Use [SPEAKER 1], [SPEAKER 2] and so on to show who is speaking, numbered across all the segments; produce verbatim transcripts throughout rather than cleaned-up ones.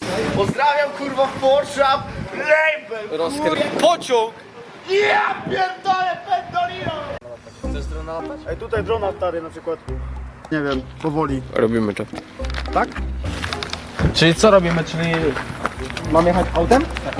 [SPEAKER 1] Pozdrawiam kurwa Forshap Label.
[SPEAKER 2] Rozkry... Pociąg!
[SPEAKER 1] Ja pierdolę pendolino.
[SPEAKER 2] Chcesz drona latać?
[SPEAKER 3] Ej, tutaj drona stary na przykład. Nie wiem, powoli.
[SPEAKER 2] Robimy to.
[SPEAKER 3] Tak?
[SPEAKER 2] Czyli co robimy? Czyli mam jechać autem? Tak.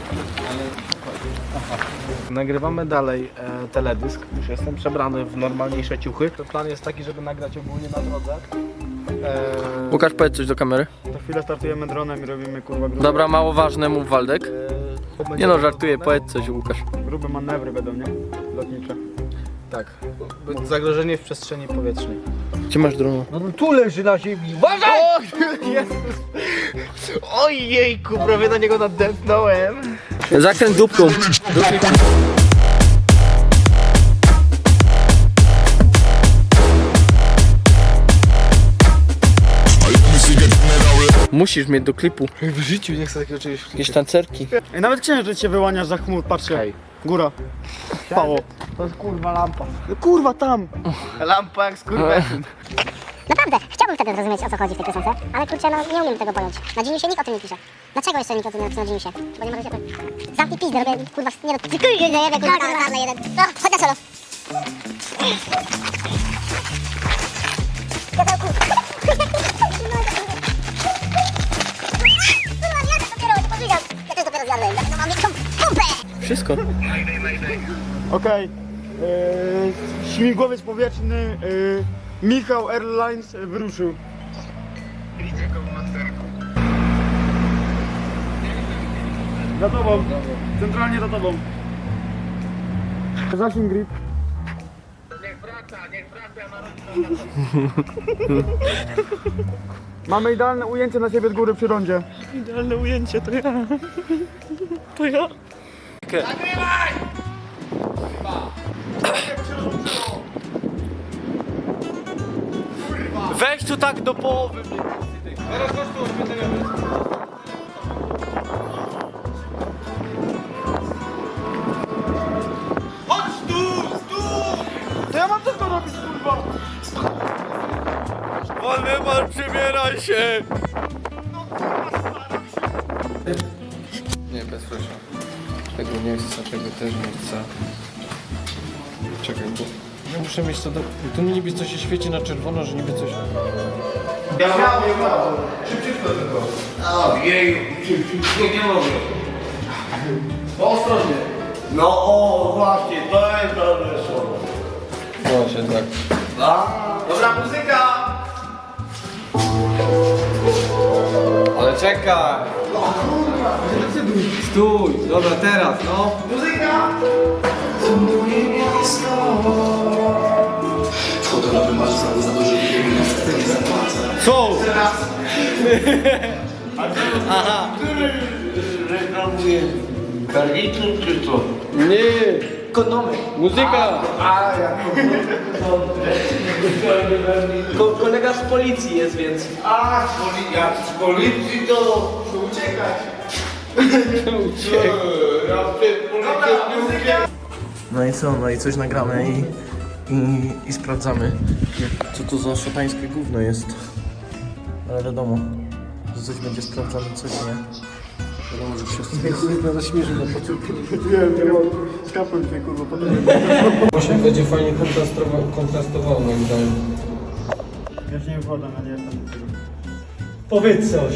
[SPEAKER 2] Nagrywamy dalej e, teledysk. Już jestem przebrany w normalniejsze ciuchy. To plan jest taki, żeby nagrać ogólnie na drodze. E,
[SPEAKER 4] Łukasz, powiedz coś do kamery.
[SPEAKER 3] Za chwilę startujemy dronem i robimy kurwa grube,
[SPEAKER 4] Dobra, mało ważne, mów Waldek.
[SPEAKER 2] e,
[SPEAKER 4] Nie no, żartuję, powiedz coś Łukasz.
[SPEAKER 3] grube manewry będą, nie? Lotnicze.
[SPEAKER 2] Tak. Zagrożenie w przestrzeni powietrznej.
[SPEAKER 4] Gdzie masz drona?
[SPEAKER 2] No tu leży na ziemi. Uważaj! O, Jezus! Ojejku, prawie na niego nadepnąłem.
[SPEAKER 4] Zakręt dupką. Musisz mieć do klipu
[SPEAKER 2] W życiu nie chcę takiego czegoś.
[SPEAKER 4] jakieś tancerki.
[SPEAKER 3] Ej, nawet księżyc się wyłania za chmur, patrzcie.
[SPEAKER 2] Hej.
[SPEAKER 3] Góra. Pało.
[SPEAKER 2] To jest kurwa lampa.
[SPEAKER 3] No kurwa tam!
[SPEAKER 2] Lampa jak skurwesyn.
[SPEAKER 5] Naprawdę, chciałbym wtedy zrozumieć, o co chodzi w tej piosence, ale kurczę, no nie umiem tego pojąć. Na Geniusie nikt o tym nie pisze. Dlaczego jeszcze nikt o tym nie napisał na Geniusie? Bo nie może się... Zamknij pizdę, robię, kurwa, nie no, ty kurde, nie wiem, kurwa, karny jeden. No, chodź na solo. Gadełku. Kurwa, ja to dopiero, to powiedział. Ja też dopiero zjadłem, no mam wielką pompę.
[SPEAKER 4] Wszystko.
[SPEAKER 3] Okej. Yy, śmigłowiec powietrzny yy, Michał Airlines yy, wyruszył. Za tobą. Centralnie za tobą. Zasięg grip. Mamy idealne ujęcie na siebie z góry przy rondzie.
[SPEAKER 2] Idealne ujęcie, to ja. To ja.
[SPEAKER 4] Weź tu tak do połowy.
[SPEAKER 3] To ja mam też to robić, kurwa!
[SPEAKER 4] Waldemar, przebieraj się!
[SPEAKER 6] Nie, bez flasha. Tego nie chcę, tego też nie chcę. Czekaj, bo ja muszę mieć to do... Tu mi niby coś się świeci na czerwono, że niby coś...
[SPEAKER 1] No o właśnie, to jest dobre słowo.
[SPEAKER 6] Właśnie tak.
[SPEAKER 1] Dobra muzyka!
[SPEAKER 6] Ale czekaj! Stój! Dobra, teraz, no!
[SPEAKER 1] Muzyka!
[SPEAKER 7] Fotografię masz za, za duży nie zapłacę.
[SPEAKER 4] Co?
[SPEAKER 1] Reklamuje garnitur czy co?
[SPEAKER 4] Nie!
[SPEAKER 2] Kondomy.
[SPEAKER 4] Muzyka!
[SPEAKER 1] A ja
[SPEAKER 2] Ko kolega z policji jest, więc.
[SPEAKER 1] A z policji, jak z policji to, to uciekać. Uciekać. Ja przed policją nie uciekam.
[SPEAKER 2] No i co? No i coś nagramy i, i, i sprawdzamy, co to za szatańskie gówno jest. Ale wiadomo, że coś będzie sprawdzane, coś nie. Wiadomo, że wszyscy nas zaśmierzy na początku.
[SPEAKER 3] Wiem, wiem, skapłem się kurwa, potem
[SPEAKER 6] Właśnie będzie fajnie kontrastowało, kontrastowało moim zdaniem.
[SPEAKER 3] ja się nie wkładam, ja nie jestem do tego.
[SPEAKER 2] Powiedz coś.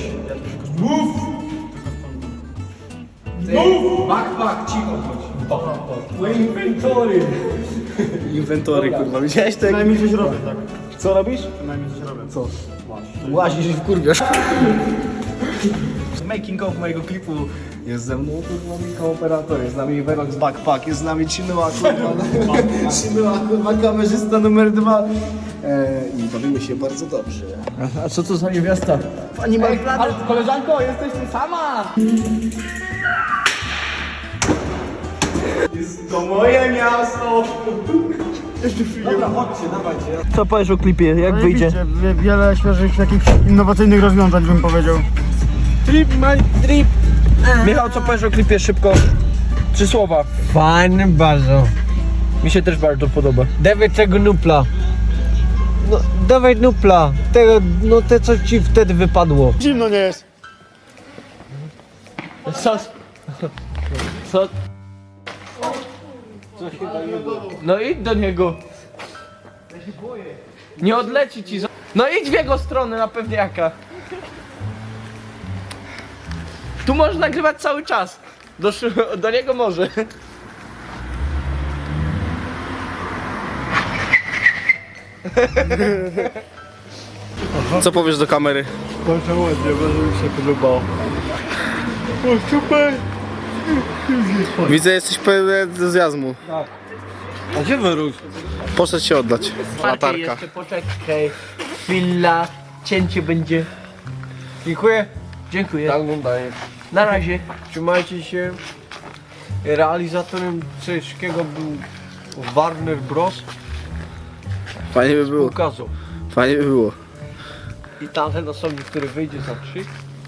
[SPEAKER 6] Backpack, cicho chodź.
[SPEAKER 2] Inwentory. Inwentory, kurwa. Widziałeś to jak...
[SPEAKER 3] Przynajmniej coś robię, tak.
[SPEAKER 2] Co robisz?
[SPEAKER 3] Przynajmniej coś robię.
[SPEAKER 2] Co? Łazisz i wkurwiasz. Making of mojego klipu jest ze mną, kurwa, Michał operator, jest z nami Verox Backpack, jest z nami Chinua, kurwa, Chinua, kurwa, kamerzysta numer dwa. Eee, I bawimy się bardzo dobrze. A, a co to za niewiasta? Pani Marplanet. Koleżanko, jesteś ty sama! Jest to moje miasto! Dobra, chodźcie, dawajcie. Co powiesz o klipie, jak wyjdzie?
[SPEAKER 3] Wie- Wiele świeżych, jakichś innowacyjnych rozwiązań bym powiedział.
[SPEAKER 2] Trip, my trip. Michał, co powiesz o klipie szybko? Trzy słowa.
[SPEAKER 4] Fajny bardzo.
[SPEAKER 2] Mi się też bardzo podoba.
[SPEAKER 4] Dawaj tego nupla. No, dawaj nupla. Tego, no te co ci wtedy wypadło.
[SPEAKER 3] Zimno nie jest.
[SPEAKER 4] Co? Co? No idź do niego. Nie odleci ci. za- No idź w jego stronę na pewniaka. Tu możesz nagrywać cały czas. Do, szy- do niego może.
[SPEAKER 2] Co powiesz do kamery?
[SPEAKER 3] Bardzo ładnie, bardzo mi się podobało. O, super!
[SPEAKER 2] Widzę, jesteś pełny entuzjazmu.
[SPEAKER 4] A gdzie wyrósł?
[SPEAKER 2] Poszedł się oddać. Latarka.
[SPEAKER 4] Jeszcze poczekaj. Chwila. Cięcie będzie. Dziękuję. Dziękuję.
[SPEAKER 6] Tak daję.
[SPEAKER 4] Na razie. Trzymajcie się. Realizatorem wszystkiego był Warner Bros.
[SPEAKER 2] Fajnie by było.
[SPEAKER 4] Ukazał.
[SPEAKER 2] Fajnie by było.
[SPEAKER 4] I tamten osobnik, który wyjdzie za trzy.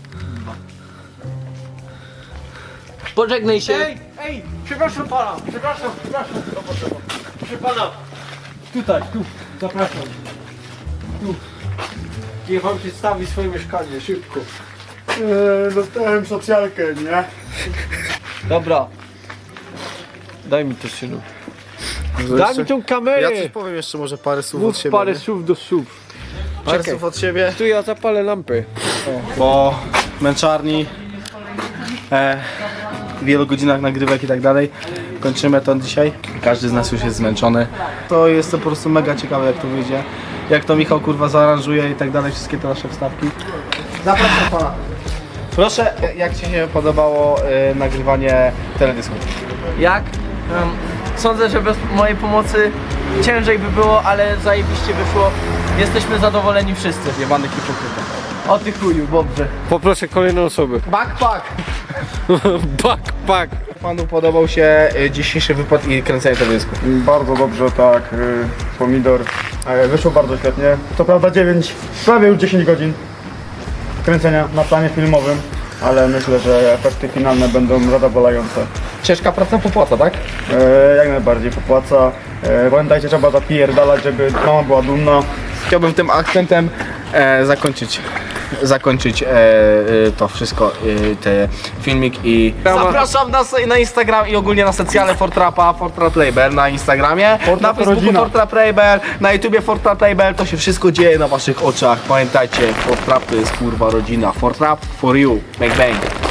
[SPEAKER 4] Pożegnaj się. Ej, ej, przepraszam pana, przepraszam, przepraszam. Proszę pana. Tutaj, tu, zapraszam. Tu. Niech pan przedstawi swoje mieszkanie, szybko.
[SPEAKER 3] Eee, dostałem socjalkę, nie?
[SPEAKER 4] Dobra. Daj mi to, synu. Daj mi tą kamerę.
[SPEAKER 2] Ja coś powiem jeszcze może parę słów od
[SPEAKER 4] Mów
[SPEAKER 2] siebie.
[SPEAKER 4] parę
[SPEAKER 2] nie?
[SPEAKER 4] słów do słów.
[SPEAKER 2] Parę
[SPEAKER 4] Czekaj.
[SPEAKER 2] słów od siebie.
[SPEAKER 4] Tu ja zapalę lampę.
[SPEAKER 2] Po męczarni, e, wielu godzinach nagrywek i tak dalej, kończymy to dzisiaj. Każdy z nas już jest zmęczony. To jest to po prostu mega ciekawe, jak to wyjdzie. Jak to Michał kurwa zaaranżuje i tak dalej, wszystkie te nasze wstawki. Zapraszam pana. Proszę, jak ci się podobało e, nagrywanie teledysku?
[SPEAKER 4] Jak? Um, sądzę, że bez mojej pomocy ciężej by było, ale zajebiście wyszło. Jesteśmy zadowoleni wszyscy.
[SPEAKER 2] Jebany hipokryta.
[SPEAKER 4] O ty chuju, dobrze.
[SPEAKER 6] Poproszę kolejną osobę.
[SPEAKER 2] Backpack!
[SPEAKER 6] Backpack.
[SPEAKER 2] Panu podobał się e, dzisiejszy wypad i kręcenie teledysku?
[SPEAKER 3] Bardzo dobrze, tak. y, Pomidor. E, Wyszło bardzo świetnie. Co prawda dziewięć, prawie już dziesięć godzin kręcenia na planie filmowym, ale myślę, że efekty finalne będą zadowalające.
[SPEAKER 2] Ciężka praca popłaca, tak?
[SPEAKER 3] E, Jak najbardziej popłaca. E, Pamiętajcie, trzeba zapierdalać, żeby mama była dumna.
[SPEAKER 2] Chciałbym tym akcentem e, zakończyć, zakończyć e, e, to wszystko, e, te filmik i zapraszam nas na Instagram i ogólnie na socjale Fortrapa, Fortrap Label na Instagramie, na
[SPEAKER 3] Fortrap
[SPEAKER 2] Facebooku
[SPEAKER 3] rodzina.
[SPEAKER 2] Fortrap Label, na YouTubie Fortrap Label, to się wszystko dzieje na waszych oczach, pamiętajcie, Fortrap to jest kurwa rodzina, Fortrap for you, bang bang.